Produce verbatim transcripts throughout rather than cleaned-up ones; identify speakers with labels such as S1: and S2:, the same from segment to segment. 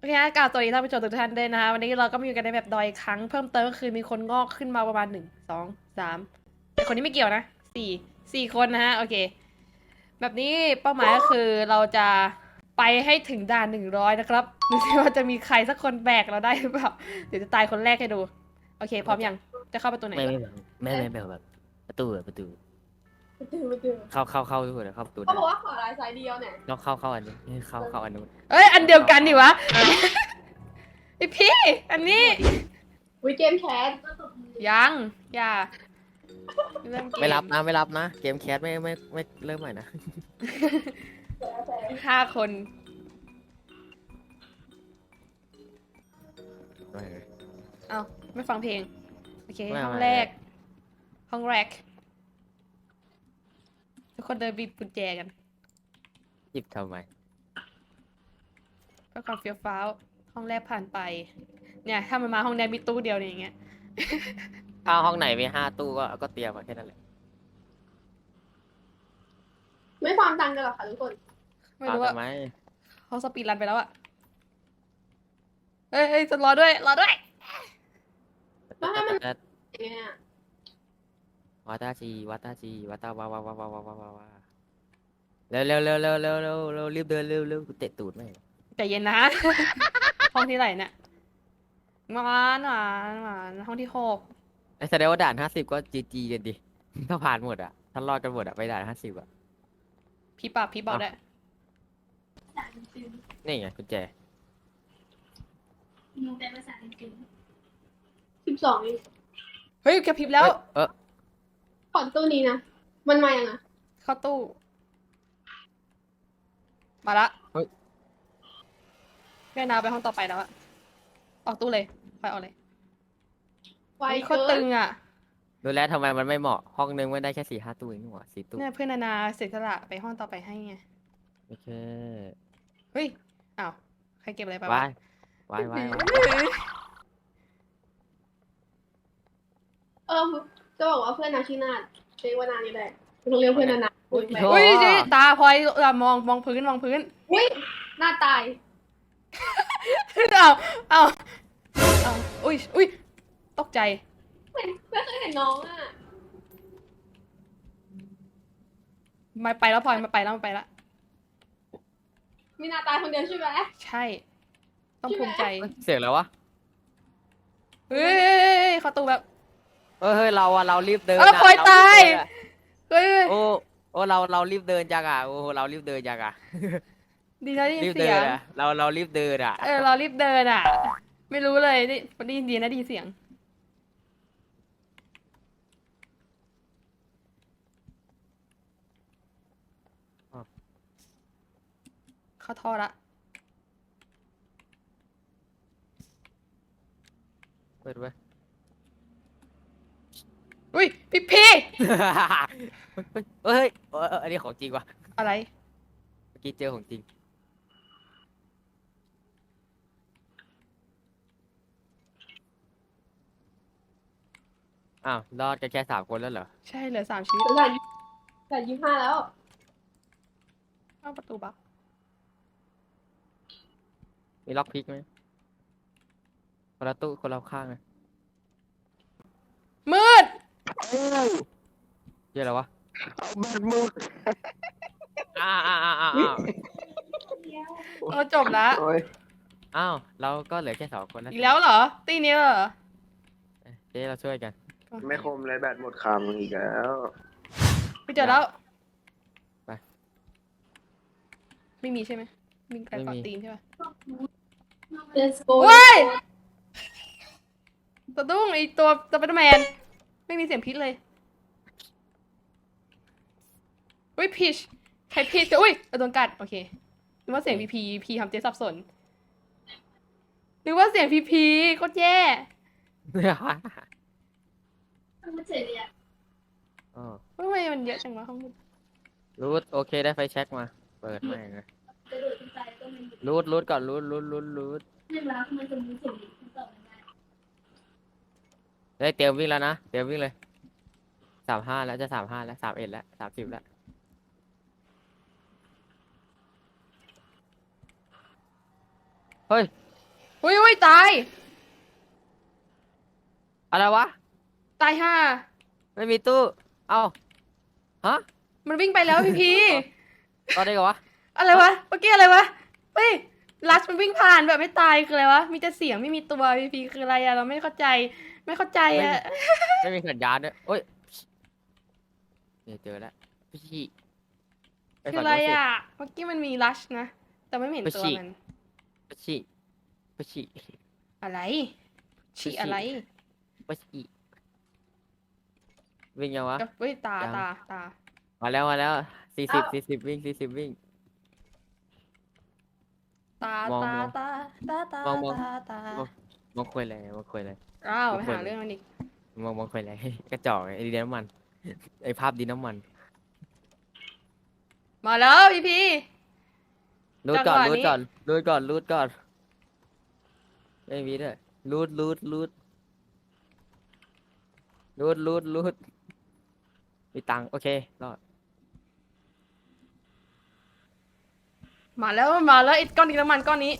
S1: เคฮะกล่าวสวัสดีท่านผู้ชมทุกท่านด้วยนะคะวันนี้เราก็มาอยู่กันในแบบดอยครั้งเพิ่มเติมก็คือมีคนงอกขึ้นมาประมาณหนึ่งสองสามแต่คนนี้ไม่เกี่ยวนะสี่สี่คนนะฮะโอเคแบบนี้เป้าหมายก็คือเราจะไปให้ถึงด่านหนึ่งร้อยนะครับดูสิว่าจะมีใครสักคนแบกเราได้หรือเปล่าเดี๋ยวจะตายคนแรกให้ดูโอเคพร้อมยังจะเข้าประตูไหน
S2: ไม่ไม่แบบไม่ไม่แบบแบบประตูอะประตู
S3: ไปถึงไปถึง
S2: เข้าเข้าเข้าทุกคนเข้าประตู
S3: เขา
S2: ได้
S3: บอกว่าขอลายสายเดียวเนี่ย
S2: ต้องเข้าเข้าอันนี้เข้าเข้าอันนู้น
S1: เอ้ยอันเดียวกันดิวะไอพี่อันนี้
S3: วิเกมแคส
S1: ยังอย่าเริ่มเกม
S2: ไม่รับนะไม่รับนะเกมแคสไม่ไม่ไม่เริ่มใหม่นะ
S1: ห้าคน
S2: ไม่
S1: เอาไม่ฟังเพลง โอเค
S2: ไม่
S1: ห้อง
S2: ไม่
S1: แรก ห้องแรก ทุกคนเดินบีบกุญแจกัน
S2: หยิบทำไม
S1: เพื่อความเฟี้ยวฟ้าว ห้องแรกผ่านไป เนี่ย ถ้ามันมาห้องแรกมีตู้เดียวเนี่ยอย่างเงี้ย
S2: ถ้าห้องไหนมีห้าตู้ก็ก็เตรียมมาแค่นั้นแหละ
S3: ไม่ความตังกันหรอกค่ะทุกคน
S1: ไม่รู้ว่า
S2: ทำไม
S1: เขาสปีดรันไปแล้วอะเฮ้ยเฮ้ยจะรอด้วย รอด้วย
S3: แล้วให้มันเนี่ย
S2: วัตาจีวัตาจีวัตาวาวาวาวาวาวาวาวาเร็วเร็วเร็วเร็วเร็วเร็วเร็วรีบเดินเร็วเร็วเตะตูดไม่
S1: ใจเย็นนะ ห้องที่ไหนเนี่ยหวานหวานหวานห้องที่หก
S2: ไอ้แสดงว่าด่านห้าสิบก็จีจีกันดิ ถ้าผ่านหมดอ่ะถ้ารอดกันหมดอ่ะไปด่านห้าสิบอ่ะ
S1: พี่ปรับพี่บอกได้
S2: นี่ไงกุญแจ
S4: มองแต่ภาษาอังกฤษ
S3: สิบสองนี่
S1: เฮ้ยกระพริบแล้ว
S2: เออ
S3: ขอนตู้นี้นะ มันมายังไง
S1: เข้าตู้ มาละแม่นาไปห้องต่อไปแล้วอะออกตู้เลยไปออกเลย
S3: ไว
S1: เฮ้ยโค
S3: เกิ
S1: ตรตึ
S3: น
S1: งอะ
S2: ดูแลวทำไมมันไม่เหมาะห้องนึงไม่ได้แค่สี่ห้าตู้เองนี่หว่าสี่ตู้
S1: เนี่ยเพื่อนนานาเสียสละไปห้องต่อไปให้ไง
S2: โอเค
S1: เฮ้ยอ้าวใครเก็บอะไรไป
S2: วายวายวายวาย
S3: เออจะบอกว่าเพื่อนนาชื่อนาดเรียกว่านานี่แหละต้องเรียกเพื่อนนานาอุ้ย
S1: อุ้ยจิตาพลอยเออมองมองพื้นมองพื้น
S3: อุ้ยหน้าตาย
S1: เอาเอาเอาอุ้ยอุ้ยตกใจ
S3: ไม่ไม่เคยเห็นน้องอ่ะ
S1: มาไปแล้วพลอยมาไปแล้วมาไปแล้ว
S3: มีนาตายคนเดียวใช่ไหม
S1: ใช่ ต้องภูมิใจ
S2: เสียงแล้ววะ
S1: เฮ้ยเข้าตู้แบบ
S2: เฮ้ยเฮ้ยเราอะเรารีบเดิน
S1: เออ
S2: อะ
S1: พลอย
S2: เร
S1: ตาย
S2: รีบเดินอะ
S1: เฮ้ย
S2: โอ้โอ้เราเรารีบเดินจังอะโอ้เรารีบเดินจังอะ
S1: ดีนะได้ยิ
S2: รี
S1: น
S2: บเดิ
S1: เสีย
S2: น
S1: ง
S2: อะเราเรารีบเดินอะ
S1: เออเรารีบเดินอ่ะ ไม่รู้เลยได้ได้ยินดีนะได้ยินเสียง เข้าท่อละ
S2: เปิดไว้
S1: อุ้ยพี่พี่
S2: เฮ้ยเฮ้ยเฮ้ยเอออันนี้ของจริงว่ะ
S1: อะไร
S2: เมื่อกี้เจอของจริงอ้าวรอดกันแค่สามคนแล้วเหรอ
S1: ใช่เหลือสามชีวิต
S3: แต่แต่ยี่ห้าแล้ว
S1: เข้าประตูบัก
S2: มีล็อกพิกไหมคนละตู้คนละข้างเลย
S1: มืด
S2: เยอะแล้ววะ
S5: บัตรหมด
S2: อ้าวอ้าวอ้าวอ้าว
S1: เราจบละ
S5: โอ้ย
S2: อ้าวเราก็เหลือแค่สองคนแล้ว
S1: อีกแล้วเหรอ ตีนี้เหรอ
S2: เจ๊เราช่วยกัน
S5: ไม่คมเลยแบตหมดคำอีกแล้ว
S1: ไปเจอแล้ว
S2: ไป
S1: ไม่มีใช่ไหมมีการ
S2: ไม่
S1: กอด
S2: มี
S1: ตีนใช่ปะ
S3: Let's go
S1: เว้ยสะดุ้งไอตัวสไปเดอร์แมน ไม่มีเสียงพิษเลยอุ้ยพีชใครพีชอุ้ยโดนกัด โอเคนึกว่าเสียงพีพีพีทำเจ๊สับสนนึกว่าเสียงพีพีโคตรแย่
S4: ไม่เจ๋งเลยอ่ะ
S2: อ๋อ
S1: ทำไมมันเยอะจังวะข้างบน
S2: รูทโอเคได้ไฟแช็กมา เปิดไม่เลย
S4: กระโดดขึ้นไปก็ไม่หยุด
S2: รูทรูทก่อนรูทรูทรูทรูท
S4: เรื่องราวมันจะมีเสียงที่ต่อไม่ได้
S2: ได้เตรียมวิ่งแล้วนะ เตรียมวิ่งเลยสามห้าแล้วจะสามห้าแล้วสามเอ็ดแล้วสามสิบแล้วเฮ้ย
S1: อุ้ยอุ้ยตาย
S2: อะไรวะ
S1: ตายห่า
S2: ไม่มีตู้ เอ้า ฮะ
S1: มันวิ่งไปแล้วพี่พี
S2: ตอนนี้กันวะ
S1: อะไรวะ เมื่อกี้อะไรวะ เฮ้ย ลัสมันวิ่งผ่านแบบไม่ตายคืออะไรวะ มีแต่เสียงไม่มีตัวพี่พีคืออะไรอะเราไม่เข้าใจ ไม่เข้าใจอะ
S2: ไม่มีสัญญาณด้วยโอ้ยเนี่ยเจอแล้วพี่ชี่ไป
S1: คือ
S2: ฝั่ง
S1: อะไร
S2: โน้นสิ
S1: อะเมื่อกี้มันมีลัชนะ แต่ไม่เห็น
S2: ไป
S1: ตัว
S2: ฉีก
S1: มัน
S2: พี่ชี่พี่ชี่
S1: อะไร ฉี
S2: ไปฉี่
S1: อะไร
S2: พี่ชี่วิ่งยังวะ
S1: กับเฮ้ยตา
S2: ยัง
S1: ตาตา
S2: มาแล้วมาแล้วสี่สิบสี่สิบวิ่งสี่สิบวิ่ง
S1: ตาม
S2: อง
S1: ตาม
S2: อง
S1: ตาตาตาม
S2: องมอง
S1: ตาตาม
S2: อง มองคุยอะไรมองคุยอะไร
S1: อ้าว
S2: มอง
S1: ไป
S2: คุย
S1: หาเรื่องมันอีก
S2: มองมองคุยอะไร กระจอกไอ้ดินน้ำมัน ไอ้ภาพดินน้ำมัน
S1: มาแล้วพี่พี
S2: รูดก่อน
S1: จังหวะ
S2: รูด
S1: นี้
S2: ก่อนรูดก่อนรูดก่อนไม่มีด้วยรูดรูดรูดรูดรูดรูดมีตังค์โอเครอด
S1: มาแล้วมาแล้วไอ้ก้อนดินน้ำมันก้อนนี้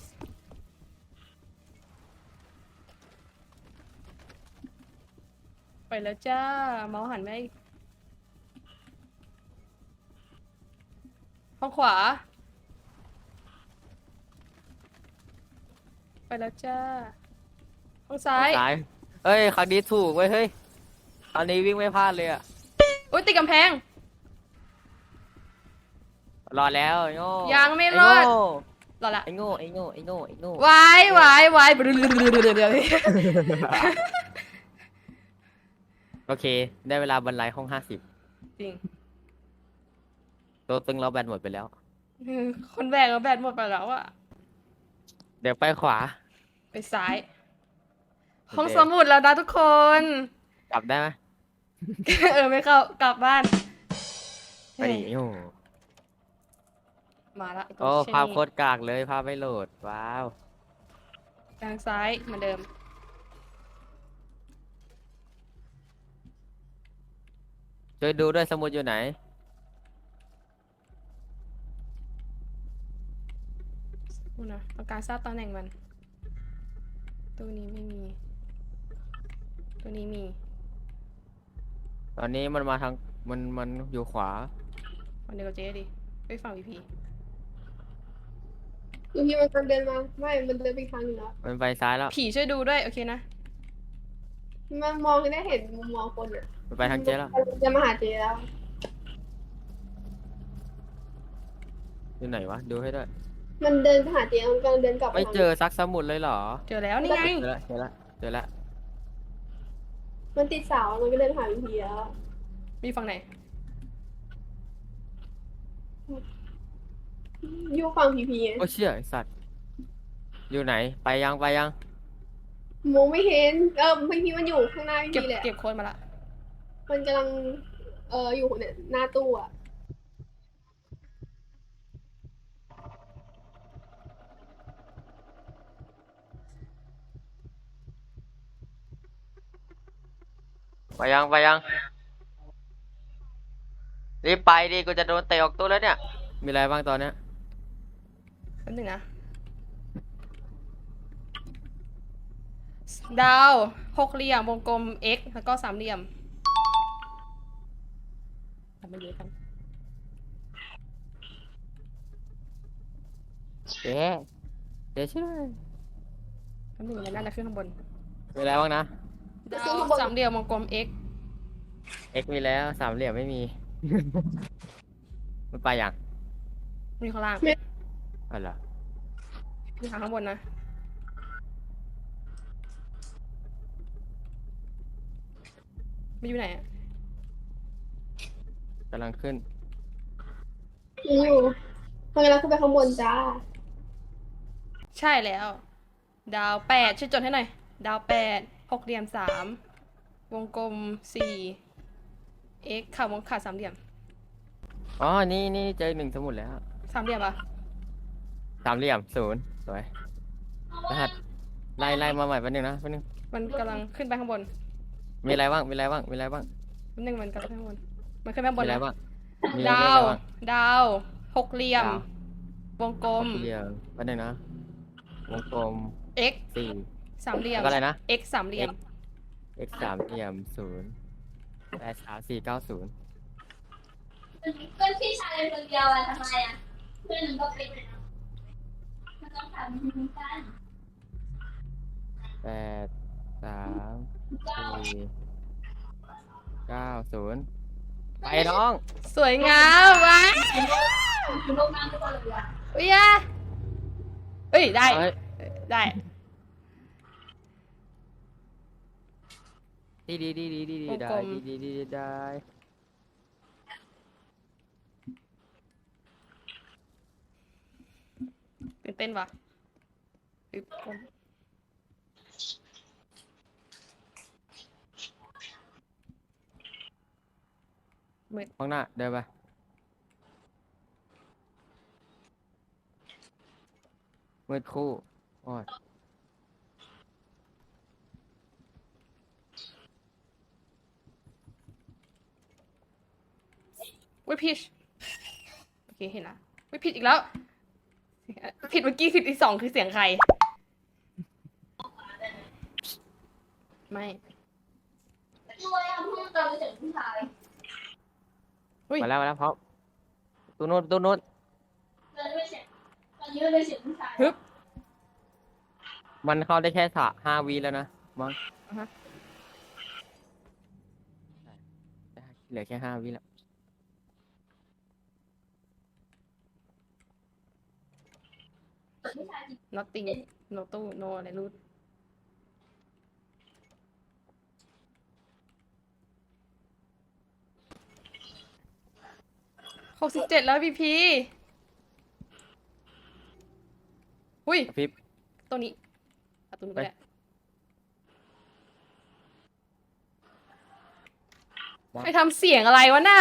S1: ไปแล้วจ้า เมาส์หันไปห้องขวา ไปแล้วจ้า ห้องซ้าย
S2: ซ้ายเอ้ยครั้งนี้ถูกเว้ยเฮ้ยอันนี้วิ่งไม่พลาดเลยอะ
S1: อุ้ยติดกำแพง
S2: รอดแล้วไอ้โง่
S1: ยังไม่
S2: อ้
S1: รอด
S2: โง่
S1: รอละ
S2: ไอ้โง่ไอ้โง่ไอ้โง่ไอ้โง่
S1: วายวายวายเดี๋ยวเดี๋ยวเดี๋ยว
S2: โอเค ได้เวลาบรรลัยห้องห้าสิบ
S1: จริง
S2: ตัวตึงเราแบตหมดไปแล้ว
S1: คนแบกเราแบตหมดไปแล้วอะ
S2: เดี๋ยวไปขวา
S1: ไปซ้าย
S2: โอเค
S1: ห้องสมุดแล้วนะทุกคน
S2: กลับได้ไหม
S1: เออไม่เข้ากลับบ้าน
S2: ไปดิโอ้
S1: มาละไตัว
S2: โอ้
S1: เช่น
S2: ภาพ
S1: นี้
S2: โคตรกากเลยภาพไม่โหลดว้าว
S1: ทางซ้ายเหมือนเดิม
S2: ช่วยดูด้วยสมุดอยู่ไหน
S1: ดูนะต้องการทราบตำแหน่งมัน ตัวนี้ไม่มี ตัวนี้มี
S2: ตอนนี้มันมาทางมันมันอยู่ขวา
S1: ฝั่งเดียวกับเจ๊ดิไปฝั่งพีพี
S3: บางทีมันกำลังเดินมา ไม่ มันเดินไปอีกทางหนึ่งแล้ว
S2: มันไปซ้ายแล้ว
S1: ผีช่วยดูด้วย โอเคนะ
S3: มันมองได้เห็นมุมมองคนอ่ะ
S2: มันไปทางเจ๊แล้ว
S3: จะมาหาเจแล้ว
S2: อยู่ไหนวะดูให้ด้วย
S3: มันเดินไปหาเจมันกำลังเดินกลับป
S2: ไม่
S3: ทาง
S2: เจอซักสมุดเลยเหรอ
S1: เจอแล้วนี่ไง
S2: เจอแล้วเจอแล้วเจอแล้ว
S3: มันติดเสามันก็เดินหาวิธีแล้ว
S1: มีฝั่งไหน
S3: อยู่ฝั่งพีพีไง
S2: โอ้เชี่ยไอ้สัตว์อยู่ไหนไปยังไปยัง
S3: มองไม่เห็น เออพีพีมันอยู่ข้างหน้าพี
S1: เก็บ
S3: พีเลยอะ
S1: เก็บโค้ดมาละ
S3: มันกำลัง เอออยู่เนี่ยหน้าตู้อ่ะ
S2: ไปยังไปยังรีบไปดิกูจะโดนเตะออกตู้แล้วเนี่ยมีอะไรบ้างตอนเนี้ย
S1: แป๊บนึงนะ ดาว หกเหลี่ยม วงกลม x แล้วก็สามเหลี่ยมทำไปเยอะกัน
S2: เจ๊เจ๊ช่วย
S1: แป๊บนึงมันน่าจะขึ้นข้างบน
S2: มีอะไรบ้างนะ
S1: ดาวสามเหลี่ยม วงกลม x
S2: x มีแล้วสามเหลี่ยมไม่มี มันไปยัง
S1: มีข้างล่าง
S2: อะไรอ
S1: มีทางข้างบนนะ ไม่อยู่ไหนอะ
S2: กำลังขึ้น
S3: มันอยู่มันกำลังขึ้นไปข้างบนจ้า
S1: ใช่แล้ว ดาวแปดช่วยจดให้หน่อย ดาวแปดหกเหลี่ยมสามวงกลมสี่ x ข่าววงขาดสามเหลี่ยม
S2: อ๋อนี่นี่เจอหนึ่งสมุดแล้ว
S1: สามเหลี่ยมปะ
S2: สามเหลี่ยมศูนย์สวยรหัสไล่ไล่มาใหม่แป๊บนึงนะแป๊บนึง
S1: มันกำลังขึ้นไปข้างบน
S2: มีอะไรบ้างมีอะไรบ้างมีอะไรบ้าง
S1: แป๊บนึงมันกำลังขึ้นข้างบน มันขึ้นไปข้างบ
S2: มี
S1: น
S2: อะไร
S1: นะ
S2: บ้างมี
S1: ดา
S2: เลข
S1: ว
S2: อะไรบ้าง
S1: ดาวหกเหลี่ยม
S2: ดาว
S1: วงกลม
S2: สี่เหลี่ยมแป๊บนึงนะวงกลม
S1: x
S2: สี่
S1: สามเหลี่ย
S2: แล้
S1: ม
S2: วก็อะไรนะ
S1: x สามเหลี่ยม
S2: x สามเหลี่ยมศูนย์แปดสามสี่เก้าศูนย์
S4: เพื่อนพี่ชายคนเดียวอะทำไมอะเพื่อนหนึ่งก็เป็นอะมันต้องทำเหมือนกัน
S2: แปดสาม
S4: เก้า
S2: สี่เก้าศูนย์ไปน้อง
S1: สวยงามว้า
S4: คือโลกนั่งก็เลยอะ
S1: อุ้ยอะเฮ้ย ได้
S2: เอ้ย
S1: ได้
S2: ดีดีดีดีดีดีได้
S1: กลมๆ
S2: ดีดีดีดีได้
S1: ตื่นเต้นว่ะอึ๊บกลม
S2: ข้างหน้าเดินไปมืดคู่โอ้ย
S1: อุ้ยผิดโอเคเห็นละอุ้ยผิดอีกแล้ว ผิดเมื่อกี้ผิดอีกสองคือเสียงใคร ไม่
S4: รวยอะเพื่อนเราไปถึงผู้ชาย
S1: อุ้ย
S2: มาแล้วมาแล้วพร้อมตู้นู้นตู้นู้น
S4: เราไม่เสร็จตอนนี้เราไปถึงผู้ชาย
S1: ฮึบ
S2: มันเข้าได้แค่สะห้าวีแล้วนะมั้ง
S1: อ่าฮะ
S2: ได้เหลือแค่ห้าวิแล้ว
S4: ผู้ชายจริง
S1: nothing no ตู้ no อะไรรูดหกสิบเจ็ดแล้วพี่พีอุ้ย
S2: กระพริบ
S1: ตัวนี้เอาตัวนี้ก็ได้
S2: ไป
S1: ใครทำเสียงอะไรวะน่ะ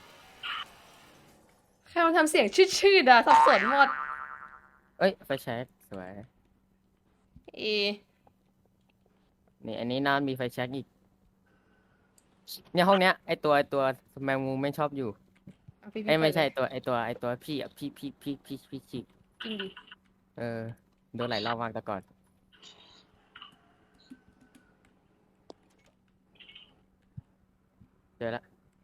S1: ใครมาทำเสียงชืดๆอะสับสนหมด
S2: เอ้ยไฟแช็กสวย
S1: เอ
S2: นี่อันนี้น่ามีไฟแช็กอีกเนี่ยห้องเนี้ยไอตัวไอตัวแมงมุมไม่ชอบอยู่
S1: เอาพี่พี
S2: ไอยไม่
S1: เปิด
S2: ใช่
S1: เลย
S2: ตัวไอตัวไอตัวพี่อ่ะพี่พี่พี่พี่พี่ชิก
S1: จริงดิ
S2: เออโดนหลายรอบมากแต่ก่อน เจอละ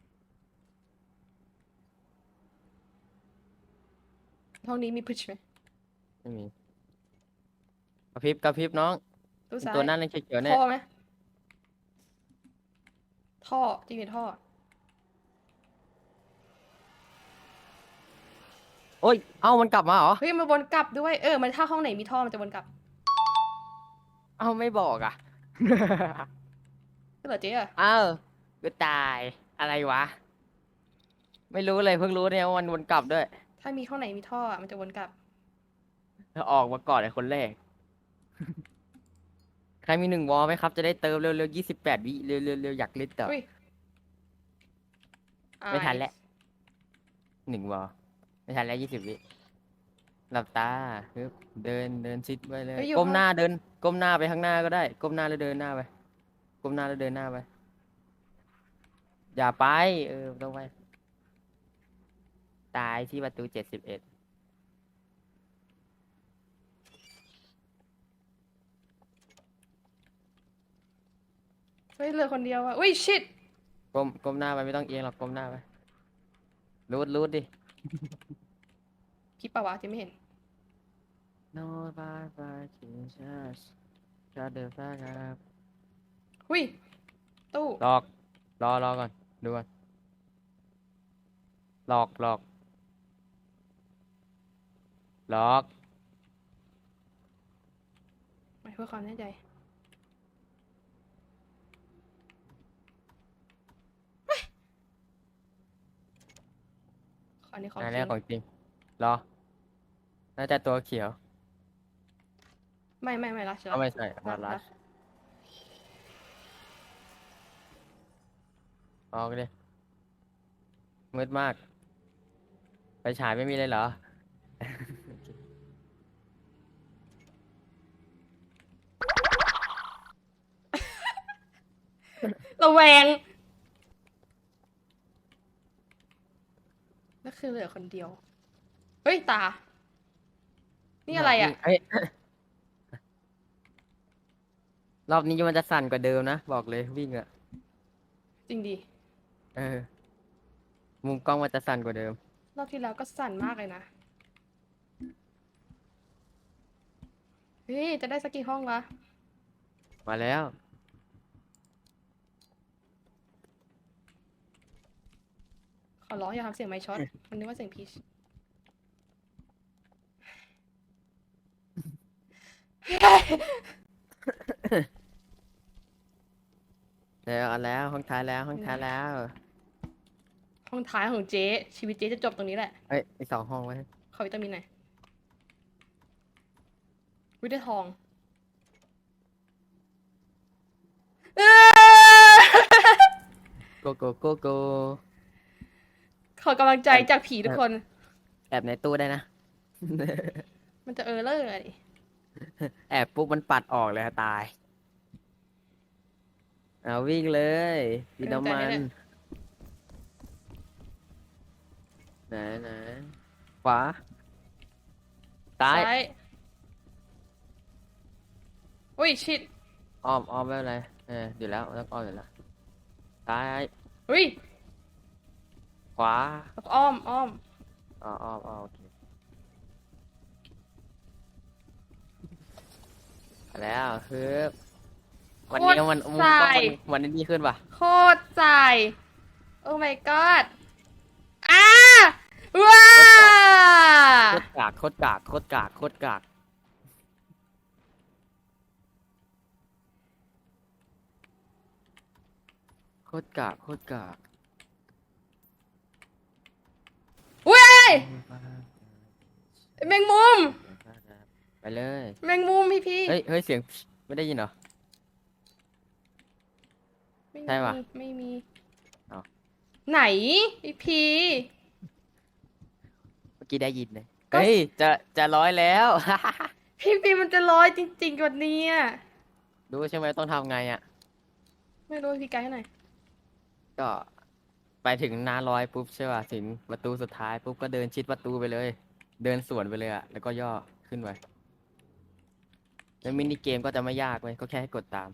S1: ห้องนี้มีพุชไหม
S2: ไม่มีกระพริบกระพริบน้อง
S1: ตู้ซ้าย
S2: ตัวนั้นเลยเขียวๆเนี่ย
S1: ท่อไหมท่อจริงดิท่อ
S2: โอ้ยเอ้ามันกลับมาเหรอ
S1: เฮ้ยมันวนกลับด้วยเออมันถ้าห้องไหนมีท่อมันจะวนกลับ
S2: เอ้าไม่บอกอ่ะ
S1: ก็เหรอเจ๊อะ
S2: เอ้าก็ตายอะไรวะ ไม่รู้เลยเพิ่งรู้เนี่ยว่ามันวนกลับด้วย
S1: ถ้ามีห้องไหนมีท่ออะมันจะวนกลับ
S2: ถ้าออกมาก่อนไอ้คนแรก ใครมีหนึ่งวอลไหมครับ จะได้เติมเร็วๆยี่สิบแปดวิเร็วๆเร็วๆอยากเล่นต่อ
S1: อุ้ย
S2: ไม่ทันแล้ว หนึ่งวอลไม่ทันแล้วยี่สิบวิหลับตาฮึบเดินเดินชิดไปเลย
S1: เฮ้ยอยู่
S2: ก้ม
S1: ห้อง
S2: หน้าเดิน ก้มหน้าไปข้างหน้าก็ได้ ก้มหน้าแล้วเดินหน้าไป ก้มหน้าแล้วเดินหน้าไป อย่าไป เออต้องไป ตายที่ประตูเจ็ดสิบเอ็ด
S1: เฮ้ยเหลือคนเดียวอะอุ้ยชิต
S2: ก้มก้มหน้าไปไม่ต้องเอียงหรอกก้มหน้าไปรูดรูดดิ
S1: คลิปปะวะเจ๊ไม่เห็น
S2: No bye bye Jesus Shut the fuck up
S1: อุ้ยตู้
S2: หลอก รอรอก่อนดูก่อนหลอกหลอกหลอก
S1: ไม่เพื่อความแน่ใจเฮ้ยอันนี้ของ
S2: อัน
S1: จ
S2: นี้
S1: ริง
S2: ของจริงรอ น่าจะตัวเขียว
S1: ไม่ไม่ไม่รักเชียว
S2: ก็ไม่ใช่มา
S1: รั
S2: ลั
S1: ก
S2: สออกเลยมืดมาก ไปฉายไม่มีเลยเหรอ
S1: ระแวงนั่นคือเหลือคนเดียว เฮ้ย ตา นี่อะไรอ่ะ
S2: เอ้ยรอบนี้มันจะสั่นกว่าเดิมนะบอกเลยวิ่งอะ
S1: จริงดิ
S2: เออมุมกล้องมันจะสั่นกว่าเดิม
S1: รอบที่แล้วก็สั่นมากเลยนะ เฮ้ย จะได้สักกี่ห้องวะ
S2: มาแล้ว
S1: ขอร้องอย่าทำเสียงไมค์ช็อต มันนึกว่าเสียงพีช
S2: แล้วเอาแล้วห้องท้ายแล้วห้องท้ายแล้ว
S1: ห้องท้ายของเจ๊ ชีวิตเจ๊จะจบตรงนี้แหละ
S2: เอ้ยอีกสองห้องไว้
S1: ขอวิตามินหน่อยวิได้ทองเอ้อ
S2: โกโกโกโก
S1: ขอกำลังใจจากผีทุกคน
S2: แอบในตู้ได้นะ
S1: มันจะเออเลอร์อะไร
S2: แอบปุ๊บมันปัดออกเลยตายเอาวิ่งเลยดินน้ำมันไหนไหนขวาซ้าย
S1: ซ้ายอุ้ยชิด
S2: อ้อมอ้อมไม่เป็นไรเอออยู่แล้วต้องอ้อมอยู่แล้วซ้าย
S1: อุ้ย
S2: ขวา
S1: อ้อมอ้อม
S2: อ๋ออ้อมอ้อมโอเคมาแล้วคือวันนี้มันมุมกล้องมันวันนี้ดีขึ้นป่ะ
S1: โคตรใจโอ้ my god อ้าว้า
S2: โคตรกากโคตรกากโคตรกากโคตรกากโคตรกากโคตรกาก
S1: อุ้ยแมงมุม
S2: ไปเลย
S1: แมงมุมพี่พี่
S2: เฮ้ยเฮ้ยเสียงไม่ได้ยินเหรอ
S1: ไม่
S2: ใช่
S1: มี
S2: ปะ
S1: ไม่มี
S2: อ้าว
S1: ไหนพี่พี่
S2: เมื่อกี้ได้ยินเลย
S1: ก็
S2: เฮ้ยจะจะร้อยแล้ว
S1: พี่พี่มันจะร้อยจริงๆกว่านี้อะ
S2: รู้ใช่ไหมต้องทำไงอ่ะ
S1: ไม่รู้พี่ไกด์ให้หน่อย
S2: ก็ไปถึงหน้าร้อยปุ๊บใช่ป่ะถึงประตูสุดท้ายปุ๊บก็เดินชิดประตูไปเลย เดินสวนไปเลยอ่ะแล้วก็ย่อขึ้นไปแล้วมินิเกมก็จะไม่ยากเว้ยก็แค่ให้กดตาม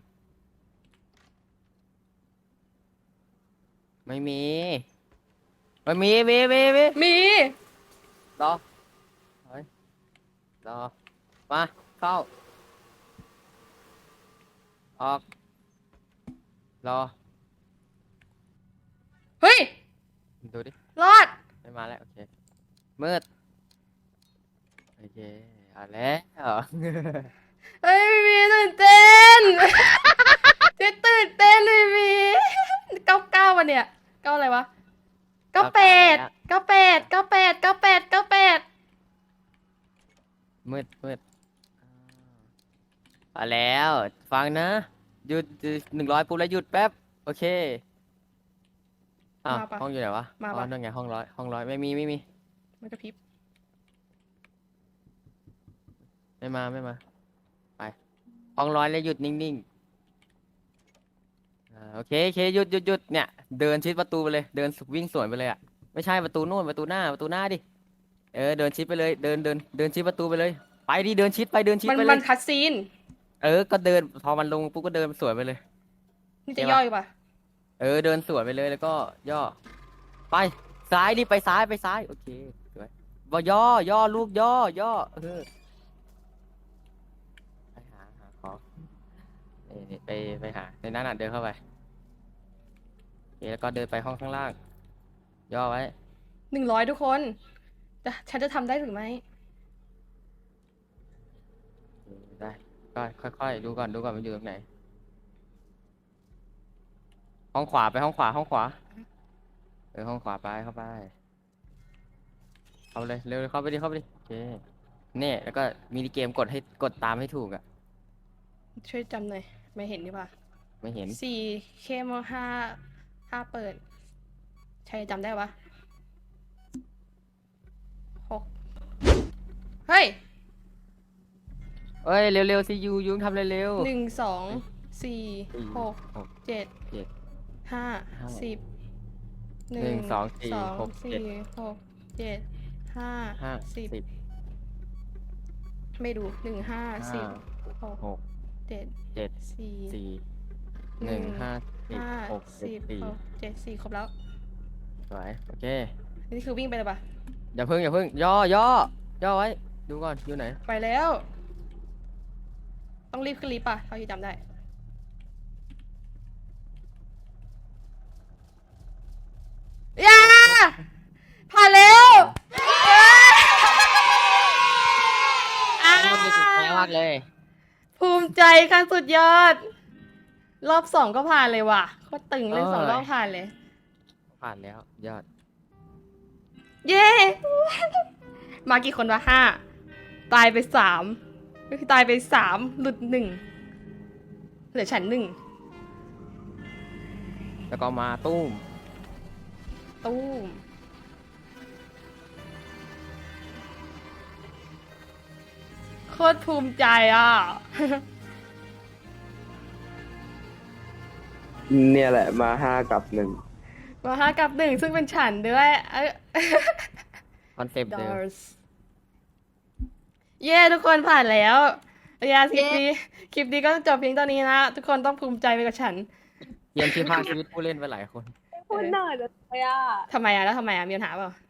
S2: ไม่มีไม่มีมีมีมี
S1: มี
S2: รอเฮ้ยรอมาเข้าออกรอ
S1: เฮ้ย
S2: ดูดิ
S1: รอด
S2: ไม่มาแล้วโอเคมืดโอเคเอาแล้ว
S1: เฮ้ยพี่พี่ตื่นเต้น เจ๊ตื่นเต้นเลยพี่เก้าเก้าวันเนี่ยเก้าอะไรวะเก้าแปดเก้าแปดเก้าแปดเก้าแปดเก้าแปด
S2: มืดมืดเอาแล้วฟังนะหยุดหนึ่งร้อยปุ๊บแล้วหยุดแป๊บโอเคอ้าว
S1: มาปะ
S2: ห้องอยู่ไหนวะ
S1: มา
S2: อ๋อ
S1: ปะ
S2: นั่นไงห้องร้อยห้องร้อยไม่มีไม่มี
S1: มันกระพริบ
S2: ไม่มาไม่มาไปห้องร้อยแล้วหยุดนิ่งๆอ่าโอเคโอเคหยุดหยุดหยุดเนี่ยเดินชิดประตูไปเลยเดินวิ่งสวนไปเลยอ่ะไม่ใช่ประตูนู่นประตูหน้าประตูหน้าดิเออเดินชิดไปเลยเดินเดินเดินชิดประตูไปเลยไปดิเดินชิดไปเดินชิด
S1: มัน
S2: ไปเล
S1: มัน
S2: ย
S1: คัดซีน
S2: เออก็เดินพอมันลงปุ๊บก็เดินสวนไปเลย
S1: นี่
S2: เจ๊
S1: จะ
S2: ปะ
S1: ย่อยปะ
S2: เออเดินสวนไปเลยแล้วก็ย่อไปซ้ายดิไปซ้ายไปซ้ายโอเคสวยบ่ย่อย่อลูกย่อย่อเออไปหาหาของนี่นี่ไปไปหาในนั้นน่ะเดินเข้าไปโอเคแล้วก็เดินไปห้องข้างล่าง ย่อไว้
S1: หนึ่งร้อยทุกคนจะฉันจะทำได้หรือไม่
S2: เออได้ก็ค่อยๆดูก่อนดูก่อนมันอยู่ตรงไหนห้องขวาไปห้องขวาห้องขวาเออห้องขวาไปเข้าไปเข้าไปเลยเร็วๆเข้าไปดิเข้าไปดิโอเคเนี่ยแล้วก็มินิเกมกดให้กดตามให้ถูกอ่ะ
S1: ช่วยจำหน่อยไม่เห็นดีป่ะ
S2: ไม่เห็น
S1: สี่เคมห้าห้าเปิด ใช่จำได้ปะหกเฮ้ย
S2: เอ้ยเร็วๆสิยูยุงทำเร็ว
S1: หนึ่งสองสี่
S2: สี่
S1: หก
S2: หก
S1: เจ็ด
S2: เจ็ด
S1: ห้า
S2: ห้า
S1: สิบ
S2: หนึ่งสองสี่
S1: สอง
S2: หก
S1: สี่
S2: เจ็ด
S1: หกเจ็ดห้า
S2: ๆห้า
S1: สิบ
S2: สิบ
S1: ไม่ดูหนึ่งห้าสิ
S2: ห้า
S1: บหก
S2: หก
S1: เจ็ด
S2: เจ็ด
S1: สี่
S2: สี่หนึ่งห้าสิบ
S1: ห้า
S2: หกสิ
S1: สิ
S2: บบ สี่
S1: หกเจ็ดสี่ครบแล้ว
S2: สวยโอเค
S1: นี่คือวิ่งไปเลยปะ
S2: อย่าเพิ่งอย่าเพิ่งย่อย่อย่อไว้ ดูก่อน อยู่ไหน
S1: ไปแล้ว ต้องรีบขึ้นลิฟต์ป่ะเท่าที่จำได้ยาผ่านแล้วอ้าว
S2: มากเลย
S1: ภูมิใจขั้นสุดยอด รอบสองก็ผ่านเลยว่ะโคตรตึงเลย
S2: เอ้ย
S1: สองรอบผ่านเลย
S2: ผ่านแล้ว ยอด
S1: เย้ มากี่คนวะห้าตายไปสามก็คือตายไปสามหลุดหนึ่งเหลือฉันหนึ่ง
S2: แล้วก็มาตุ้ม
S1: ตู้มโคตรภูมิใจอ่ะ
S5: เนี่ยแหละมาห้ากับหนึ่ง
S1: มาห้ากับหนึ่งซึ่งเป็นฉันด้วยเอ้ย
S2: คอนเซปต์เดิม
S1: Doors เย้ทุกคนผ่านแล้วยาคลิปนี้คลิปนี้ก็จบเพียงเท่านี้นะ ทุกคนต้องภูมิใจไปกับฉัน
S2: เกมที่พาชีวิตผู้เล่นไปหลายคน
S3: พูดหน่อยเลยอ่ะ
S1: ทำไมอ่ะ แล้วทำไมอ่ะ มีปัญหาเปล่า